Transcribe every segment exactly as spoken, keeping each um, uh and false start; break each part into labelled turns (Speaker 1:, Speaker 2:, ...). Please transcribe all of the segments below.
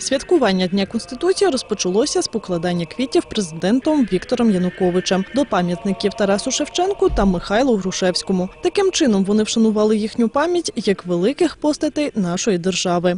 Speaker 1: Святкування Дня Конституції розпочалося з покладання квітів президентом Віктором Януковичем до пам'ятників Тарасу Шевченку та Михайлу Грушевському. Таким чином вони вшанували їхню пам'ять як великих постатей нашої держави.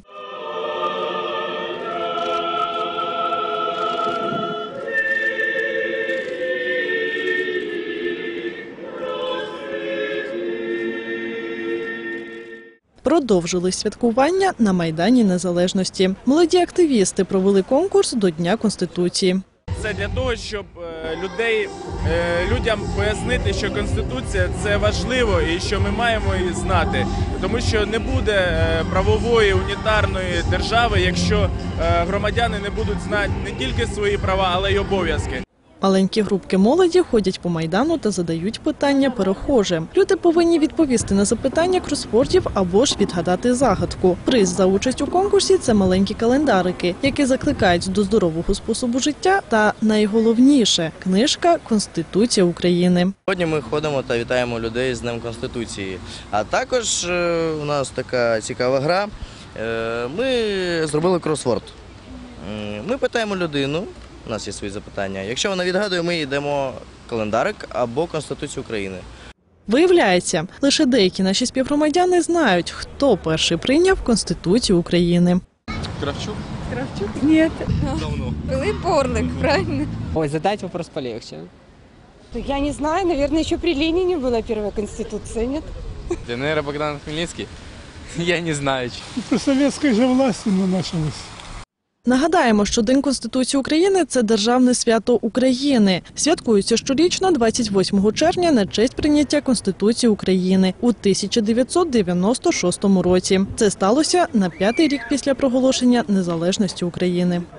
Speaker 1: Продовжили святкування на Майдані Незалежності. Молоді активісти провели конкурс до Дня Конституції.
Speaker 2: Це для того, щоб людей, людям пояснити, що Конституція – це важливо і що ми маємо її знати. Тому що не буде правової унітарної держави, якщо громадяни не будуть знати не тільки свої права, але й обов'язки.
Speaker 1: Маленькі групки молоді ходять по Майдану та задають питання перехожим. Люди повинні відповісти на запитання кросвордів або ж відгадати загадку. Приз за участь у конкурсі – це маленькі календарики, які закликають до здорового способу життя та, найголовніше, книжка «Конституція України».
Speaker 3: Сьогодні ми ходимо та вітаємо людей з Днем Конституції. А також у нас така цікава гра. Ми зробили кросворд. Ми питаємо людину. У нас є свої запитання. Якщо вона відгадує, ми їй дамо календарик або Конституцію України.
Speaker 1: Виявляється, лише деякі наші співгромадяни знають, хто перший прийняв Конституцію України.
Speaker 4: Кравчук?
Speaker 5: Кравчук? Нет.
Speaker 4: Давно.
Speaker 5: Пилип Орлик, правильно?
Speaker 6: Ой, задать вопрос полегче.
Speaker 5: Я не знаю, наверное, еще при Ленине была первая Конституция, нет?
Speaker 4: Для, наверное, Богдан Хмельницкий? Я не знаю.
Speaker 7: При советской же власти началось.
Speaker 1: Нагадаємо, що День Конституції України – це державне свято України. Святкується щорічно двадцять восьмого червня на честь прийняття Конституції України у тисяча дев'ятсот дев'яносто шостому році. Це сталося на п'ятий рік після проголошення незалежності України.